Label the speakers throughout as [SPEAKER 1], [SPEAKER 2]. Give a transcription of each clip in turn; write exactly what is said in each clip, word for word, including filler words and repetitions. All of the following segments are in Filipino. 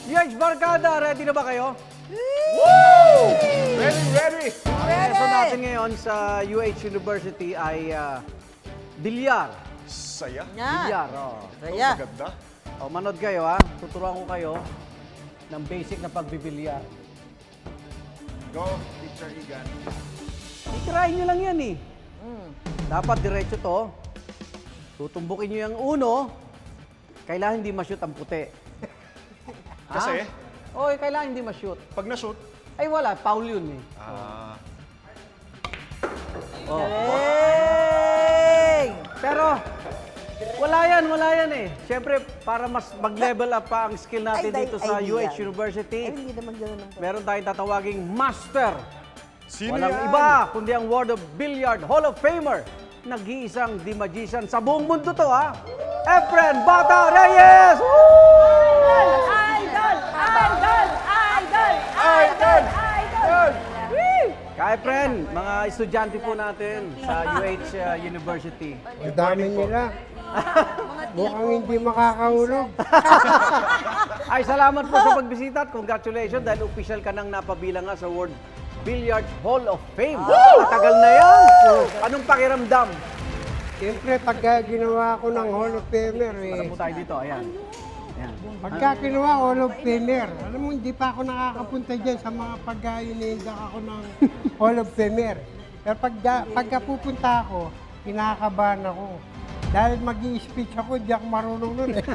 [SPEAKER 1] U H Barkada, ready na ba kayo?
[SPEAKER 2] Woo! Ready, ready!
[SPEAKER 1] Ang lesson natin ngayon sa U H University ay ah, bilyar.
[SPEAKER 2] Saya.
[SPEAKER 3] Yan.
[SPEAKER 1] Bilyar, oh.
[SPEAKER 3] Saya.
[SPEAKER 2] Maganda.
[SPEAKER 1] O, manood kayo ha. Tuturuan ko kayo ng basic na pagbibilyar.
[SPEAKER 2] Go, Teacher Igan.
[SPEAKER 1] Itirahin nyo lang yan eh.
[SPEAKER 3] Mm.
[SPEAKER 1] Dapat diretso to. Tutumbukin nyo yung uno. Kailangan hindi ma-shoot ang puti.
[SPEAKER 2] Kasi,
[SPEAKER 1] Oo, eh, kailangan hindi ma-shoot.
[SPEAKER 2] pag na-shoot,
[SPEAKER 1] Ay wala, foul yun eh.
[SPEAKER 2] ah,
[SPEAKER 1] Oh.
[SPEAKER 3] Galing!
[SPEAKER 1] Pero, wala yan, wala yan eh. Siyempre, para mas mag-level up pa ang skill natin
[SPEAKER 3] Ay,
[SPEAKER 1] dito
[SPEAKER 3] ay,
[SPEAKER 1] sa
[SPEAKER 3] ay,
[SPEAKER 1] U H
[SPEAKER 3] yan.
[SPEAKER 1] University,
[SPEAKER 3] Ay, hindi naman gano'n ang
[SPEAKER 1] meron tayong tatawaging Master.
[SPEAKER 2] sino
[SPEAKER 1] Walang
[SPEAKER 2] yan?
[SPEAKER 1] iba, kundi ang World of Billiard Hall of Famer. Nag-iisang di magician sa buong mundo to ha. Efren Bata Reyes! Woo!
[SPEAKER 3] Idol! Idol! Idol!
[SPEAKER 2] Idol! Idol!
[SPEAKER 1] Kaya Efren, mga estudyante po natin sa U H uh, University.
[SPEAKER 4] Ang dami nila. Mukhang hindi makakahulog.
[SPEAKER 1] Ay, salamat po sa pagbisita at congratulations dahil official ka nang napabilang nga sa World Billiard Hall of Fame. Matagal na yan. Anong pakiramdam?
[SPEAKER 4] Siyempre, pagka ginawa ko ng Hall of Famer,
[SPEAKER 1] Para
[SPEAKER 4] eh,
[SPEAKER 1] po tayo dito, ayan. Ayan.
[SPEAKER 4] pagka ginawa Hall of Famer, alam mo, hindi pa ako nakakapunta dyan sa mga pagka inindak ako ng Hall of Famer. Pero pagka, pagka pupunta ako, kinakabahan ako. Dahil mag-i-speech ako, di ako marunong nun eh.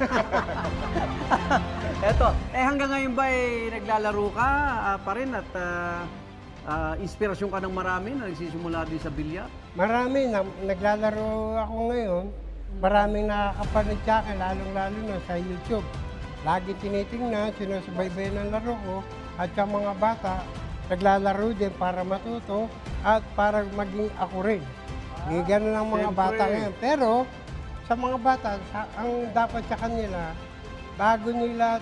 [SPEAKER 1] Eto, eh hanggang ngayon ba eh, naglalaro ka ah, pa rin at ah, ah, inspirasyon ka ng marami na nagsisimula din sa bilyar?
[SPEAKER 4] Marami, na, naglalaro ako ngayon. Maraming nakakapanood sa akin, lalong-lalo na sa YouTube. Lagi tinitingnan, sinusubaybayan ng laro ko at sa mga bata, naglalaro din para matuto at para maging ako rin. Hindi ganun ang mga
[SPEAKER 1] Siyempre.
[SPEAKER 4] bata ngayon. Pero sa mga bata, sa- ang dapat sa kanila, bago nila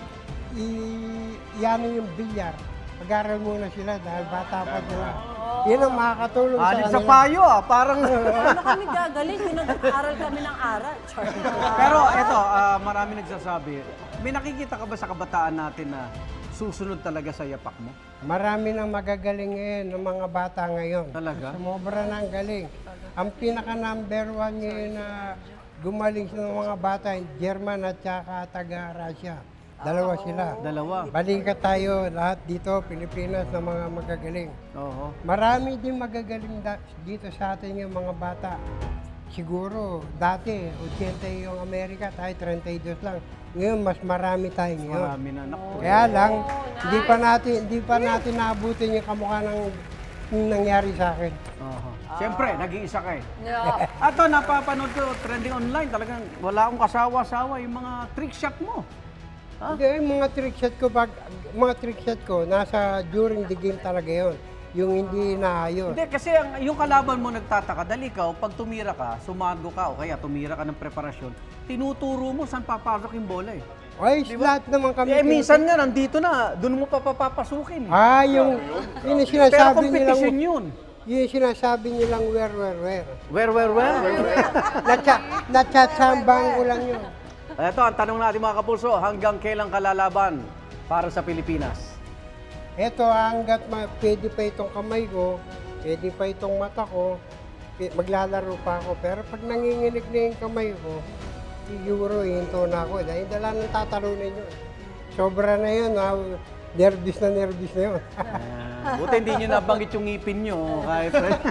[SPEAKER 4] i- iano yung bilyar, mag-aral muna sila dahil bata pa sila. Yun ang makakatulong sa
[SPEAKER 1] Alin
[SPEAKER 4] kanila.
[SPEAKER 1] sa payo ah, parang...
[SPEAKER 3] Ano kami gagaling? Pinag-aaral kami ng aral. Char.
[SPEAKER 1] Pero eto, ah, marami nagsasabi, may nakikita ka ba sa kabataan natin na susunod talaga sa yapak mo?
[SPEAKER 4] Marami nang magagaling ngayon ng mga bata ngayon.
[SPEAKER 1] Talaga?
[SPEAKER 4] Sumobra na ang galing. Ang pinaka number one ngayon na gumaling sa mga bata, German at saka taga-Russia. Dalawa sila.
[SPEAKER 1] Dalawa.
[SPEAKER 4] Balikat tayo lahat dito, Pilipinas, na mga magagaling.
[SPEAKER 1] Oo.
[SPEAKER 4] Marami din magagaling da- dito sa atin yung mga bata. Siguro, dati, eighty yung Amerika, tayo thirty-two lang. Ngayon, mas marami tayo ngayon.
[SPEAKER 1] Marami na. Naku.
[SPEAKER 4] Kaya lang, hindi pa natin hindi pa natin naabutin yung kamukha ng yung nangyari sa akin.
[SPEAKER 1] Oo. Siyempre, nag-iisa ka eh.
[SPEAKER 3] Yeah.
[SPEAKER 1] Ato, napapanood ko, trending online, talagang wala akong kasawa-sawa yung mga trick shot mo. Ha?
[SPEAKER 4] Hindi, yung mga trick shot ko, pag, mga trick shot ko, nasa during the game talaga yon. Yung hindi naayos.
[SPEAKER 1] Hindi, kasi ang, yung kalaban mo nagtataka, dahil ikaw, pag tumira ka, sumago ka, o kaya tumira ka ng preparasyon, tinuturo mo saan papasok yung bola eh.
[SPEAKER 4] Ay, lahat naman kami.
[SPEAKER 1] Eh, minsan nga, nandito na, doon mo pa papapasukin.
[SPEAKER 4] Ah, yung, yun yung
[SPEAKER 1] Pero
[SPEAKER 4] sinasabi nilang,
[SPEAKER 1] competition yun.
[SPEAKER 4] yun yung sinasabi nilang where, where, where.
[SPEAKER 1] Where, where, where?
[SPEAKER 4] Natsa, natsatsambang ko lang yun.
[SPEAKER 1] Ito, ang tanong natin mga kapulso, hanggang kailan kalalaban para sa Pilipinas?
[SPEAKER 4] Eto, hanggat ma- pwede pa itong kamay ko, pwede pa itong mata ko, pi- maglalaro pa ako. Pero pag nanginginig na yung kamay ko, siguro hinto na ako. Dahil dala ng tatalunin yun. Sobra na yun, ha? Nervous na nervous na yun.
[SPEAKER 1] Ayan. Buti hindi nyo nabanggit yung ngipin nyo, kahit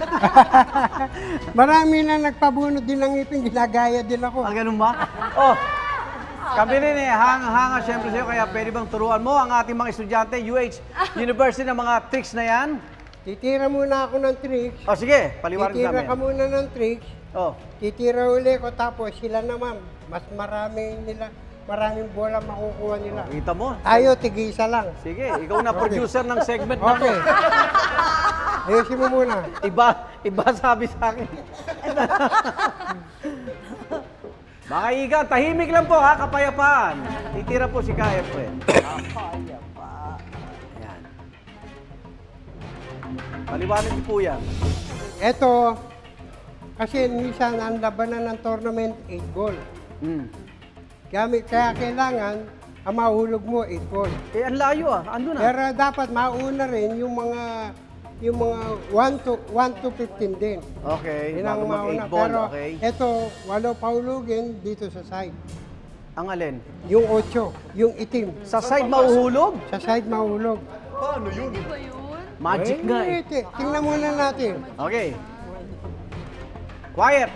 [SPEAKER 4] Marami na nagpabunod din ng ngipin, ginagaya din ako.
[SPEAKER 1] Ah, ganun ba? Oh, kami rin eh, hanga-hanga siyempre sa'yo, kaya pwede bang turuan mo ang ating mga estudyante, U H University, ng mga tricks na yan?
[SPEAKER 4] Titira muna ako ng tricks.
[SPEAKER 1] O sige, paliwanag
[SPEAKER 4] Titira
[SPEAKER 1] namin.
[SPEAKER 4] ka muna ng tricks.
[SPEAKER 1] Oh,
[SPEAKER 4] Titira uli ko, tapos sila naman, mas maraming nila, maraming bola makukuha nila.
[SPEAKER 1] kita mo.
[SPEAKER 4] Tayo, tig-isa lang.
[SPEAKER 1] Sige, ikaw na producer ng segment na
[SPEAKER 4] Okay. Ayusin mo muna.
[SPEAKER 1] Iba, iba sabi sa akin. Mga iga, tahimik lang po ha, kapayapaan. Titira po si K F eh.
[SPEAKER 3] Kapayapa.
[SPEAKER 1] Ayan. Paliwanag niyo po yan.
[SPEAKER 4] Eto, kasi minsan ang labanan ng tournament, eight goal.
[SPEAKER 1] Mm.
[SPEAKER 4] Kaya, kaya kailangan ang mahulog mo eight ball.
[SPEAKER 1] Eh, ang layo ah. Ando na.
[SPEAKER 4] Pero dapat mauna rin yung mga yung mga one to one to fifteen din.
[SPEAKER 1] Okay,
[SPEAKER 4] Yun
[SPEAKER 1] bago
[SPEAKER 4] ang
[SPEAKER 1] mag
[SPEAKER 4] mauna.
[SPEAKER 1] eight ball,
[SPEAKER 4] Pero
[SPEAKER 1] okay.
[SPEAKER 4] ito, walo pahulugin dito sa side.
[SPEAKER 1] Ang alin?
[SPEAKER 4] Yung ocho, yung itim.
[SPEAKER 1] Sa side mauhulog?
[SPEAKER 4] Sa side mahulog.
[SPEAKER 2] Paano yun?
[SPEAKER 1] Magic nga eh.
[SPEAKER 4] ti- Tingnan muna natin.
[SPEAKER 1] Okay. Quiet.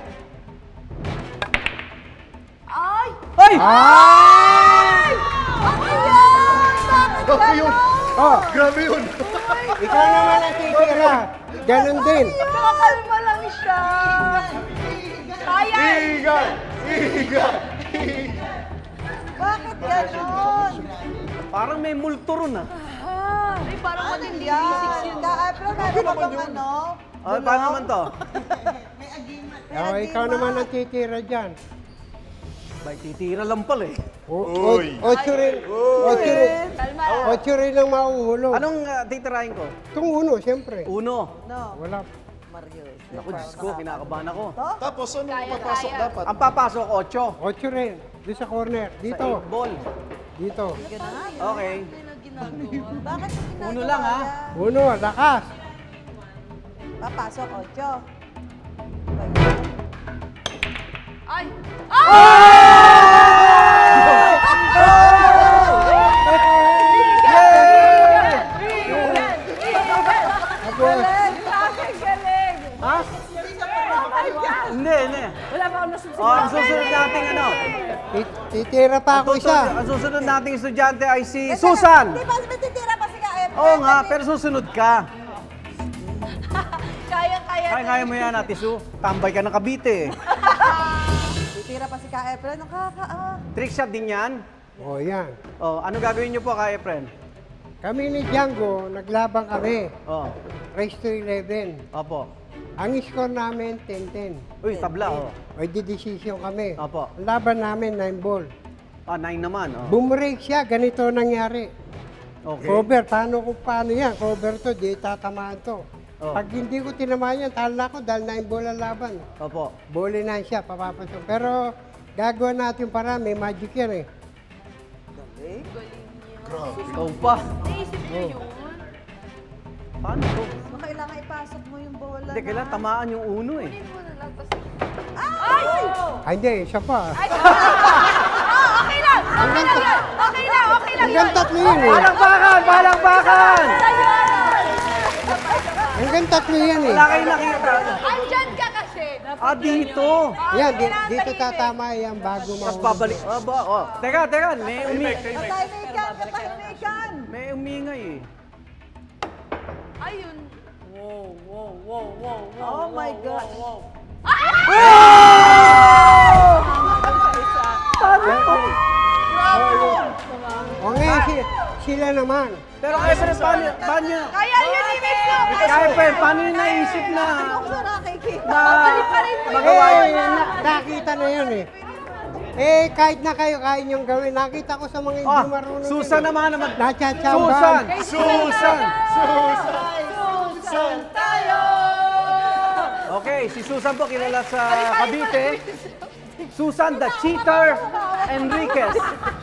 [SPEAKER 3] Ay!
[SPEAKER 1] Ay!
[SPEAKER 3] Ay! Ano yan? Bakit
[SPEAKER 2] Grabe yun!
[SPEAKER 4] Oh,
[SPEAKER 2] Grabe yun!
[SPEAKER 4] ikaw naman ang titira. Ganon din.
[SPEAKER 3] Nakakalma lang siya. Kaya!
[SPEAKER 2] Igan! Igan!
[SPEAKER 3] Bakit ganon?
[SPEAKER 1] Parang may multo ron ah.
[SPEAKER 3] Ay, parang matindi. Ka-April, meron ka bang ano?
[SPEAKER 1] Oh, paano naman to?
[SPEAKER 4] Oh, ikaw naman ang titira dyan.
[SPEAKER 1] Bay, titira lang pala eh.
[SPEAKER 4] O, o,
[SPEAKER 2] Uy.
[SPEAKER 4] ocho rin. Ocho rin.
[SPEAKER 3] Kalma lang.
[SPEAKER 4] Ocho rin ang mahuhulog.
[SPEAKER 1] Anong uh, titirahin ko?
[SPEAKER 4] Itong uno, siyempre.
[SPEAKER 1] Uno.
[SPEAKER 3] No.
[SPEAKER 4] Wala.
[SPEAKER 3] Mario.
[SPEAKER 1] Naku, Diyos ko, kinakabahan ako.
[SPEAKER 2] Tapos ano papasok dapat?
[SPEAKER 1] Ang papasok, ocho.
[SPEAKER 4] Ocho rin. Doon sa corner.
[SPEAKER 1] Sa
[SPEAKER 4] Dito.
[SPEAKER 1] eight ball.
[SPEAKER 4] Dito.
[SPEAKER 1] Okay.
[SPEAKER 3] Bakit yung ginagawa
[SPEAKER 1] Uno lang, ha?
[SPEAKER 3] yan?
[SPEAKER 4] Uno, lakas.
[SPEAKER 3] Papasok, ocho. Ay!
[SPEAKER 4] Tapos,
[SPEAKER 1] Ha? Hindi, hindi.
[SPEAKER 3] Wala pa akong nasusunod.
[SPEAKER 1] Oh, ang susunod nating ano?
[SPEAKER 4] tit- titira pa
[SPEAKER 1] Ang
[SPEAKER 4] ako
[SPEAKER 1] susunod,
[SPEAKER 4] isa.
[SPEAKER 1] ang susunod nating estudyante ay si Susan.
[SPEAKER 3] Di ba matitira pa si Ka-April?
[SPEAKER 1] Oo nga, pero susunod ka.
[SPEAKER 3] Kaya-kaya.
[SPEAKER 1] Kaya kaya mo yan, Ate Su. Tambay ka ng Cavite eh.
[SPEAKER 3] Titira pa si Ka-April. Nakaka... Ah.
[SPEAKER 1] Trick shot din yan.
[SPEAKER 4] O, yan.
[SPEAKER 1] Oh, ano gagawin niyo po kaya, friend?
[SPEAKER 4] Kami ni Django, naglabang kami.
[SPEAKER 1] Oh,
[SPEAKER 4] Race to eleven.
[SPEAKER 1] opo.
[SPEAKER 4] Ang score namin, ten ten.
[SPEAKER 1] Uy, tabla, oh.
[SPEAKER 4] O, di decision kami.
[SPEAKER 1] Opo.
[SPEAKER 4] Ang laban namin, nine ball.
[SPEAKER 1] Ah, nine naman, oh.
[SPEAKER 4] Bumrake siya, ganito nangyari.
[SPEAKER 1] Okay.
[SPEAKER 4] Cover, paano kung paano yan? Cover to, di tatamaan to.
[SPEAKER 1] Oh.
[SPEAKER 4] Pag hindi ko tinamaan yan, talo na ako dahil nine ball ang laban.
[SPEAKER 1] Opo.
[SPEAKER 4] Bowling na siya, papapasok. Pero gagawa natin para may magic yan eh.
[SPEAKER 1] Ikaw pa. Paano to?
[SPEAKER 3] Kailangan ipasok mo yung bola.
[SPEAKER 1] Hindi, kailangan tamaan yung uno eh.
[SPEAKER 3] Ay!
[SPEAKER 4] Ay, hindi, siya pa.
[SPEAKER 3] Okay lang! Okay lang yan! Okay lang! Okay lang
[SPEAKER 4] Hanggang tatlo yun eh.
[SPEAKER 1] Palakpakan! Palakpakan!
[SPEAKER 4] Hanggang tatlo yan eh.
[SPEAKER 1] Wala kayong nakita.
[SPEAKER 3] Andyan ka kasi!
[SPEAKER 1] Ah, dito.
[SPEAKER 4] Yan, di, dito tatama yan bago
[SPEAKER 1] Tapos
[SPEAKER 4] mahulog.
[SPEAKER 1] babalik. Oh, ba, oh. Teka, teka. May, umi
[SPEAKER 3] Katahimikan! Katahimikan!
[SPEAKER 1] may umingay eh.
[SPEAKER 3] Ayun! Wow, wow, wow, wow, wow. Oh my gosh!
[SPEAKER 4] O ngayon, si, sila naman.
[SPEAKER 1] Pero kaya pa paano, paano,
[SPEAKER 3] Kaya yun ni Miss
[SPEAKER 1] kaya pa, paano yung naisip na,
[SPEAKER 3] nakikita.
[SPEAKER 1] na
[SPEAKER 4] Eh,
[SPEAKER 1] magawa yun?
[SPEAKER 4] na, nakita na yun eh. Eh, kahit na kayo, kaya niyong gawin. Nakita ko sa mga hindi
[SPEAKER 1] Ah,
[SPEAKER 4] marunong.
[SPEAKER 1] Susan
[SPEAKER 4] yun eh.
[SPEAKER 1] naman naman.
[SPEAKER 4] Nachachamba.
[SPEAKER 1] Susan! Susan!
[SPEAKER 3] Susan tayo!
[SPEAKER 1] Okay, si Susan po kilala sa Cavite. Susan the Cheater Enriquez.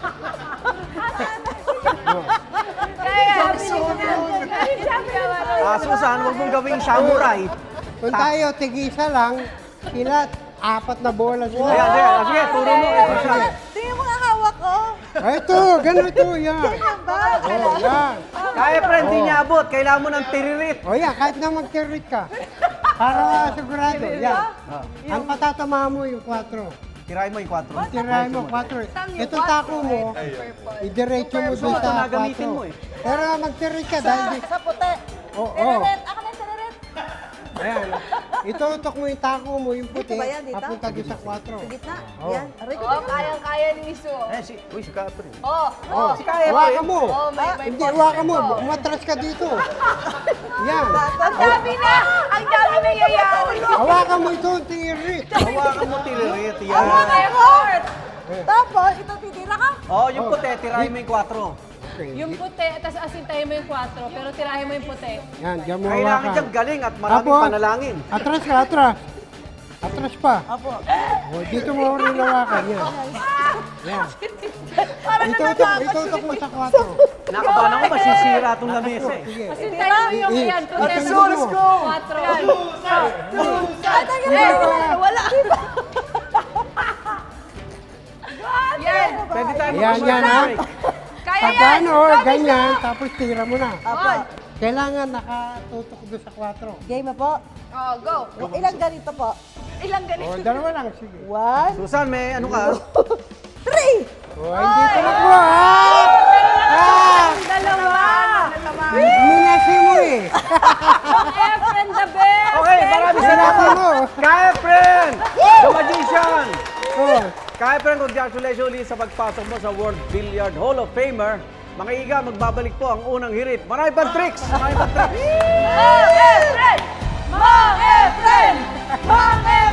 [SPEAKER 3] Kaya,
[SPEAKER 1] Ah, Susan, huwag mong gawing samurai.
[SPEAKER 4] Kung tayo, tigisa lang, sila, apat na bola sila.
[SPEAKER 1] Ayan, ayan. Ah, sige, turo mo kay Susan.
[SPEAKER 3] tingnan mo ang hawak ko.
[SPEAKER 4] Ay, ito, ganito, yan.
[SPEAKER 3] Ba?
[SPEAKER 4] Oh, yan.
[SPEAKER 1] Kaya friend, di niya abot. Kailangan mo ng tiririt.
[SPEAKER 4] O yan, kahit na mag-tirit ka. Para sigurado, yan. Ang patatama mo yung kwatro.
[SPEAKER 1] Tirahin mo yung kwatro.
[SPEAKER 4] Tirahin mo, kwatro. Ito tako mo, idiretso mo doon
[SPEAKER 1] Ito
[SPEAKER 4] sa
[SPEAKER 1] na gamitin mo
[SPEAKER 4] kwatro.
[SPEAKER 1] eh.
[SPEAKER 4] Pero mag-tirit ka dahil di...
[SPEAKER 3] Sa puti.
[SPEAKER 4] Oo.
[SPEAKER 3] Tinaret. Ako na tinaret.
[SPEAKER 4] Ayan. Itutok mo yung tako mo, yung puti,
[SPEAKER 3] Dito ba yan, dito?
[SPEAKER 4] papunta doon sa kwatro.
[SPEAKER 3] Sa gitna.
[SPEAKER 4] Oh.
[SPEAKER 3] Yan. Aray ko.
[SPEAKER 5] Oh, kayang-kaya ni Miso.
[SPEAKER 1] Eh, si, uy, si Capri.
[SPEAKER 5] Oh,
[SPEAKER 4] Oh,
[SPEAKER 1] Si Kaya po
[SPEAKER 4] hawakan
[SPEAKER 1] eh.
[SPEAKER 4] mo.
[SPEAKER 5] oh, may, may
[SPEAKER 4] Hindi, hawakan mo. Umatras ka dito. Yan.
[SPEAKER 5] Ang dami na! Ang dami na yayari!
[SPEAKER 4] Hawakan mo ito, tirit.
[SPEAKER 1] Hawakan mo tiririt.
[SPEAKER 3] Oh
[SPEAKER 1] Yan.
[SPEAKER 3] my God! Tapos, ito titira ka?
[SPEAKER 1] Oh, yung puti, tirahin mo yung kwatro.
[SPEAKER 4] Okay.
[SPEAKER 5] Yung puti, tapos asintahin mo yung kwatro, pero tirahin mo yung puti.
[SPEAKER 4] Yan, diyan mo
[SPEAKER 1] Kailangan
[SPEAKER 4] hawakan.
[SPEAKER 1] dyan galing at maraming
[SPEAKER 4] Apo.
[SPEAKER 1] panalangin.
[SPEAKER 4] Atras ka, atras. Atras pa.
[SPEAKER 3] Apo.
[SPEAKER 4] O, dito mo rin hawakan yan. Yan.
[SPEAKER 3] Parang
[SPEAKER 4] Itutok,
[SPEAKER 3] natatakot.
[SPEAKER 4] itutok mo sa kwatro.
[SPEAKER 1] Nakabahan ako, masisira itong lamesa eh.
[SPEAKER 4] Sige.
[SPEAKER 5] Hintayin mo yung
[SPEAKER 4] I-
[SPEAKER 5] yan.
[SPEAKER 4] i-
[SPEAKER 5] Let's
[SPEAKER 4] itutok
[SPEAKER 5] go,
[SPEAKER 4] mo.
[SPEAKER 5] let's go. Quatro.
[SPEAKER 3] Ah, tagal na. Wala.
[SPEAKER 5] Yan.
[SPEAKER 1] Pwede tayo
[SPEAKER 4] Yan,
[SPEAKER 1] mag-commercial
[SPEAKER 4] yan, ha?
[SPEAKER 1] break.
[SPEAKER 3] Kaya
[SPEAKER 4] Pag
[SPEAKER 3] yan.
[SPEAKER 4] ano, ganyan, tapos tira mo na.
[SPEAKER 3] Apo.
[SPEAKER 4] Kailangan nakatutok doon sa kwatro.
[SPEAKER 6] Game na po.
[SPEAKER 3] Oh, go.
[SPEAKER 6] Ilang ganito po?
[SPEAKER 3] Ilang
[SPEAKER 4] O,
[SPEAKER 3] ganito?
[SPEAKER 4] dalawa lang, sige.
[SPEAKER 6] One,
[SPEAKER 1] Susan, may ano ka?
[SPEAKER 6] three!
[SPEAKER 4] O, hindi tumakbo, ha? Ah!
[SPEAKER 3] Dalawa.
[SPEAKER 4] Minasi mo eh.
[SPEAKER 5] Efren the best.
[SPEAKER 1] Okay, maraming
[SPEAKER 4] Minasi
[SPEAKER 1] salamat.
[SPEAKER 4] mo.
[SPEAKER 1] Ka-Efren! The Magician!
[SPEAKER 4] Oh.
[SPEAKER 1] Ka-Efren, congratulations ulit sa pagpasok mo sa World Billiard Hall of Famer. Mga iga, magbabalik po ang unang hirit. Marami pang tricks! Marami pang tricks!
[SPEAKER 3] Mang Efren! Mang Efren! Mang Efren!